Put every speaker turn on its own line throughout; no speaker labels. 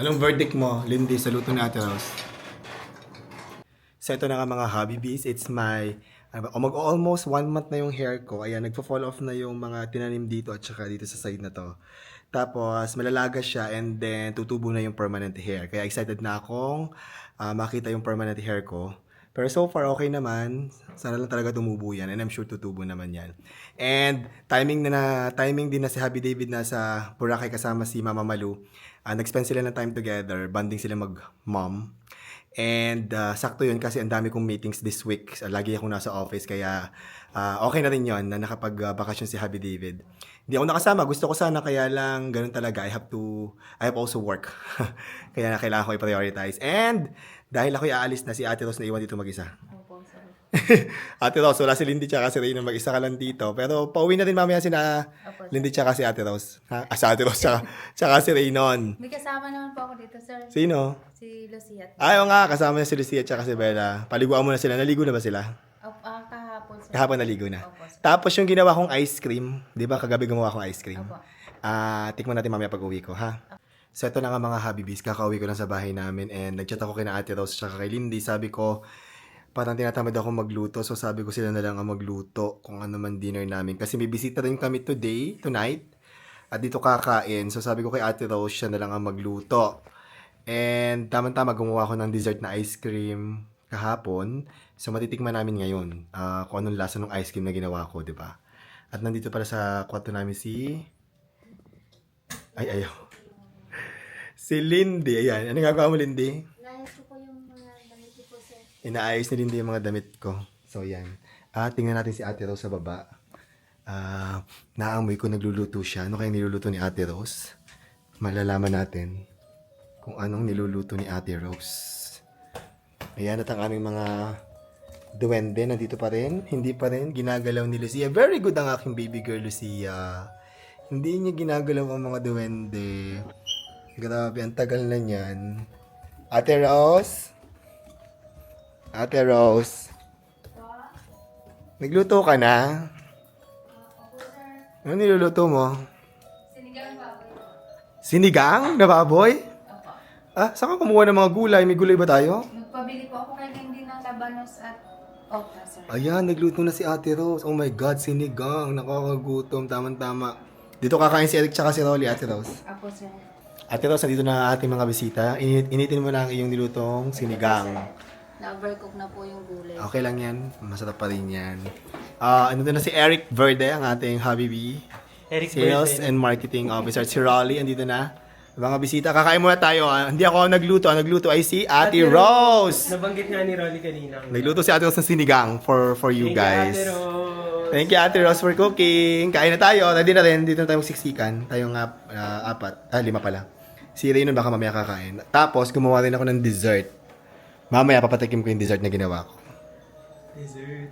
Anong verdict mo, Lindy, sa luto ni Ate Rose? So ito na nga mga hobby bees, it's my mag-almost 1 month na yung hair ko. Ayan, nagpo-fall off na yung mga tinanim dito at saka dito sa side na to. Tapos malalaga siya and then tutubo na yung permanent hair. Kaya excited na akong makita yung permanent hair ko. Pero so far okay naman. Sana lang talaga tumubo yan and I'm sure tutubo naman yan. And timing din na si Happy David na sa Boracay kasama si Mama Malu. Nag-spend sila ng time together, bonding sila mag-mom. And sakto yun kasi ang dami kong meetings this week. Lagi akong nasa office kaya okay na rin yun na nakapag-bakasyon si Happy David. Hindi ako nakasama. Gusto ko sana kaya lang ganun talaga. I have also work. Kaya kailangan ko i-prioritize. And dahil ako aalis na si Ate Rose na iwan dito mag-isa.
Opo, sir.
Ate Rose, wala si Lindy tsaka si Reyna mag-isa ka lang dito. Pero pauwi na din mamaya si
Opo, sir.
Lindy tsaka si Ate Rose. Si Ate Rose tsaka si Reynon.
May kasama naman po ako dito, sir.
Sino?
Si Lucia.
Ayaw nga, kasama niya si Lucia at si Bella. Paliguan mo na sila. Naligo na ba sila?
Kahapon, sir.
Kahapon naligo na.
Opo, sir.
Tapos yung ginawa kong ice cream, di ba kagabi gumawa akong ice cream?
Opo.
Tikman natin mamaya pag uwi ko, ha? So ito na nga mga Habibis, kakauwi ko lang sa bahay namin and nag-chat ako kina Ate Rose at kay Lindy. Sabi ko, parang tinatamad ako magluto. So sabi ko sila na lang ang magluto kung ano man dinner namin. Kasi may bisita rin kami tonight. At dito kakain. So sabi ko kay Ate Rose, siya na lang ang magluto. And tama-tama gumawa ako ng dessert na ice cream kahapon. So matitikman namin ngayon kung anong lasa ng ice cream na ginawa ko, di ba? At nandito pala sa kwarto namin si... ayaw. Si Lindy. Ayan. Ano gagawa mo, Lindy?
Nahit ko po yung mga damit ko po, sir.
Inaayos ni Lindy yung mga damit ko. So, yan. Tingnan natin si Ate Rose sa baba. Naamoy ko nagluluto siya. Ano kayang niluluto ni Ate Rose? Malalaman natin kung anong niluluto ni Ate Rose. Ayan, at ang aming mga duwende nandito pa rin. Hindi pa rin ginagalaw ni Lucia. Very good ang aking baby girl, Lucia. Hindi niya ginagalaw ang mga duwende. Grabe, ang tagal na niyan. Ate Rose? Ate Rose? Nagluto ka na? Ano niluluto mo?
Sinigang baboy.
Sinigang na baboy? Saan ka kumuha ng mga gulay? May gulay ba tayo?
Nagpabili po ako kay Lindy ng labanos at okra, sir.
Ayan, nagluto na si Ate Rose. Oh my God, sinigang. Nakakagutom. Tama-tama. Dito kakain si Eric tsaka si Rolly, Ate Rose.
Apo, sir.
Ate Rose, nandito na ating mga bisita. Initin mo na ang iyong nilutong sinigang.
Na-overcook na po yung gulay.
Okay lang yan. Masarap pa rin yan. Nandito na si Eric Verde, ang ating Habibi.
Eric
Sales
Verde.
and Marketing Officer. Si Rolly, andito na. Mga bisita, kakain muna tayo. Hindi ako nagluto. Ang nagluto ay si Ate Rose.
Nabanggit nga ni Rolly kanina.
Nagluto si Ate Rose ng sinigang for you guys.
Thank you, Ate Rose.
Thank you, Ate Rose, for cooking. Kain na tayo. Ready na rin. Dito na tayo magsiksikan. Tayo nga, 5 pala. Si Raynon baka mamaya kakain. Tapos, gumawa rin ako ng dessert. Mamaya, papatikim ko yung dessert na ginawa ko.
Dessert.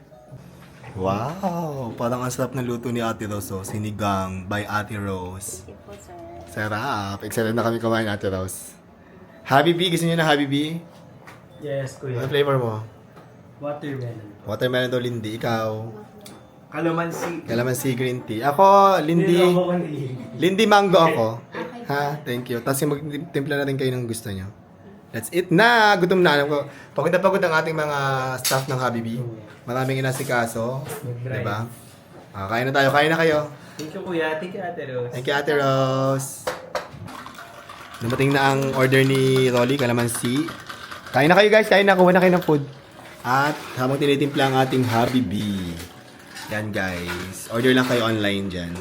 Wow! Parang ang sarap ng luto ni Ate Rose. Oh. Sinigang by Ate Rose.
Thank you po, sir.
Sarap. Excited na kami kumain, Ate Rose. Habibi, gusto niyo na Habibi?
Yes,
Ano
kuya.
flavor mo?
Watermelon.
Watermelon daw, Lindy. Ikaw?
Calamansi.
Kalamansi green tea. Ako, Lindy.
Ako kanina.
Lindy mango ako. Ha? Thank you. Tapos magtimpla na rin kayo ng gusto nyo. That's it na. Gutom na. Alam ko, pagod na pagod ang ating mga staff ng Habibi. Maraming inasikaso.
Mag-drive.
Diba? Kain na tayo. Kain na kayo.
Thank you, kuya. Thank you, Ate Rose.
Thank you, Ate Rose. Dumating na ang order ni Rolly, kalamansi. Kain na kayo guys. Kain na. Kuha na kayo ng food. At habang tinitimpla ang ating Habibi. Yan guys. Order lang kayo online dyan.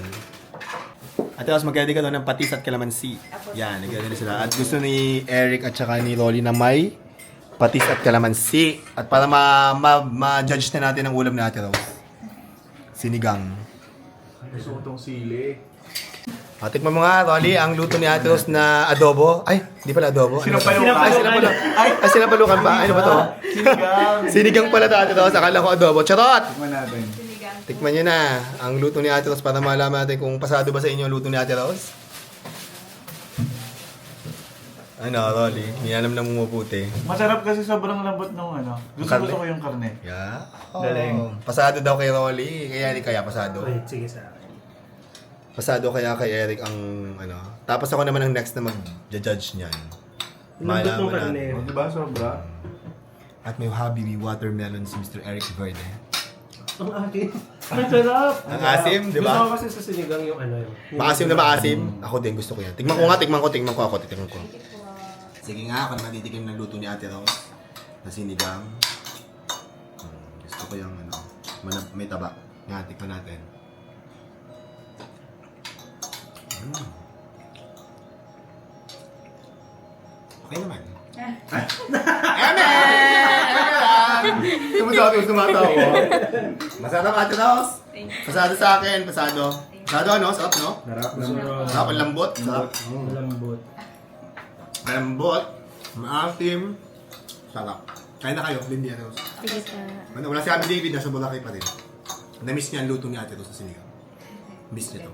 Ate Rose, mag-ready ka doon ng patis at kalamansi. Yan, nag-ready na sila. At gusto ni Eric at saka ni Rolly na may patis at kalamansi. At para ma-judge na natin ang ulam ni Ate Rose. Sinigang.
Gusto ko tong sili.
Tikman mo nga, Rolly, ang luto ni Ate Rose na adobo. Ay, hindi pala adobo.
Sinampalukan.
Sinampalukan pa. Ano ba to?
Sinigang.
Sinigang pala to, Ate Rose. Akala ko adobo. Charot!
Tikman natin.
Tikman nyo na ang luto ni Ate Rose para malaman natin kung pasado ba sa inyo ang luto ni Ate Rose. Ano, Rolly? Niyalam na mumuputi.
Masarap kasi sobrang lambot ng ano. Gusto ko yung karne.
Yeah.
Galing.
Pasado daw kay Rolly. Kaya hindi kaya pasado.
Wait, sige sa akin.
Pasado kaya kay Eric ang ano. Tapos ako naman ang next na mag-judge niyan.
Lambot ng
Malaman
karne.
Oh, diba? Sobra.
At may Habibi watermelon si Mr. Eric Verde.
Ang akin. Ang sarap.
Ang asim, di ba?
Gusto ko kasi sa sinigang yung ano yun.
Maasim na maasim. Ako din gusto ko yan. Tingnan ko nga, tingnan ko ako. Sige nga, ako naman titikim ng luto ni Ate Rose na sinigang. Gusto ko yung ano, may taba. Nga, tikman natin. Okay naman. Tumasabi ko tumatawa. Masarap Ate Rose. Pasado sa akin, pasado. Pasado ano, sarap no?
Sarap.
Sarap, ang lambot. Sarap.
Lambot.
Lambot, maasim, sarap. Kaya na kayo, Lindy Ate Rose.
Sige pa.
Wala si Abby David, nasa Boracay pa rin. Na-miss niya ang luto ni Ate Rose sa sinigang. Miss niya to.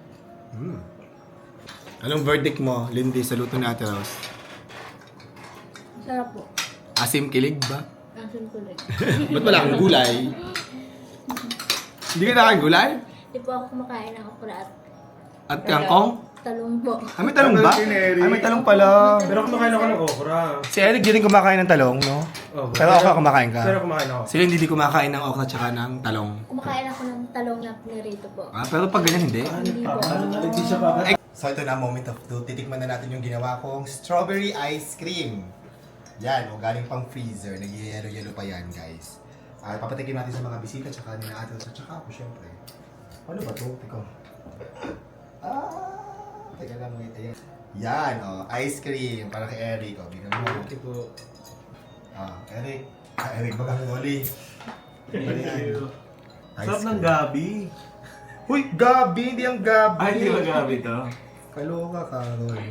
Anong verdict mo, Lindy, sa luto ni Ate Rose?
Sarap po.
Asim kilig ba?
Asin ko lang.
Ba't wala kang gulay? Hindi ka nakain gulay?
Hindi po ako kumakain ng okra at
At kangkong?
talong po.
May talong ba? May talong pala.
Pero kumakain ako ng okra.
Si Eric di rin kumakain ng talong, no?
Oh,
Pero okra kumakain ka?
Pero kumakain ako.
Sila hindi kumakain ng okra tsaka ng talong.
Kumakain ako ng talong na pinirito po.
Pero pag ganyan, hindi.
Hindi po.
Hindi siya pa.
So ito na, moment of truth. Titikman na natin yung ginawa kong strawberry ice cream. Yan, o galing pang freezer. Nag-yellow pa yan, guys. Papatikim natin sa mga bisita, tsaka nila ate, tsaka ako, syempre. Ano ba ito? Teka. Teka lang, wait. Ayan. Yan, ice cream. Para kay Eric. Bigyan mo.
Tipo,
Eric. Eric, bagang Oli.
Thank you.
Ice
Sarap ng
cream.
gabi.
Uy, Gabi! Hindi ang Gabi!
Ay, di ba gabi to?
Kaloka ka, Roy.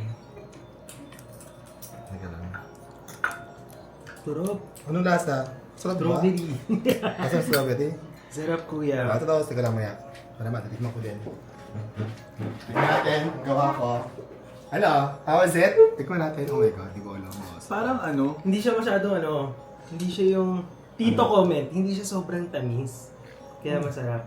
Teka lang.
sarap.
Anong lasa? Sarap ba?
Strawberry.
Lasa ng strawberry?
Sarap kuya.
Ito daw, teka lang maya. Para naman, titikman ko din. Tikman natin, gawa ko. Ano? How was it? Tikman natin. Oh my God, di ko alam. boss.
Parang ano,
Hindi siya masyadong ano, hindi siya yung tito comment, hindi siya sobrang tamis. Kaya masarap.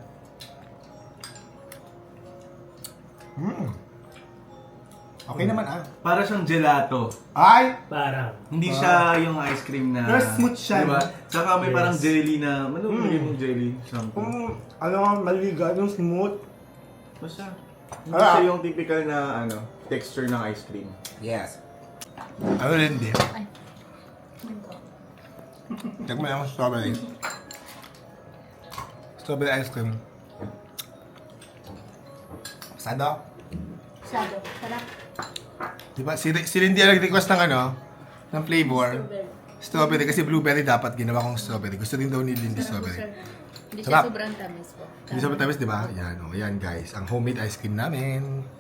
Okay naman
para siyang gelato.
Ay!
Parang.
Hindi siya yung ice cream na...
Pero smooth siya,
Diba?
no?
Saka may
Yes.
parang jelly na... Ano yung jelly? Something.
Ano nga, maliga, yung smooth.
Basta. Hindi siya yung typical na texture ng ice cream.
Yes. Ano rin din? Tikman naman sa strawberry. Strawberry ice cream. Pasado?
Sado. Sarap.
Diba? Si Lindy ang nag-request ng ng flavor. Strawberry. Kasi blueberry dapat ginawa kong strawberry. Gusto din daw ni Lindy strawberry.
Hindi
Sarap.
siya sobrang tamis po.
Hindi sa matamis, di ba? Yan, yan guys. Ang homemade ice cream namin.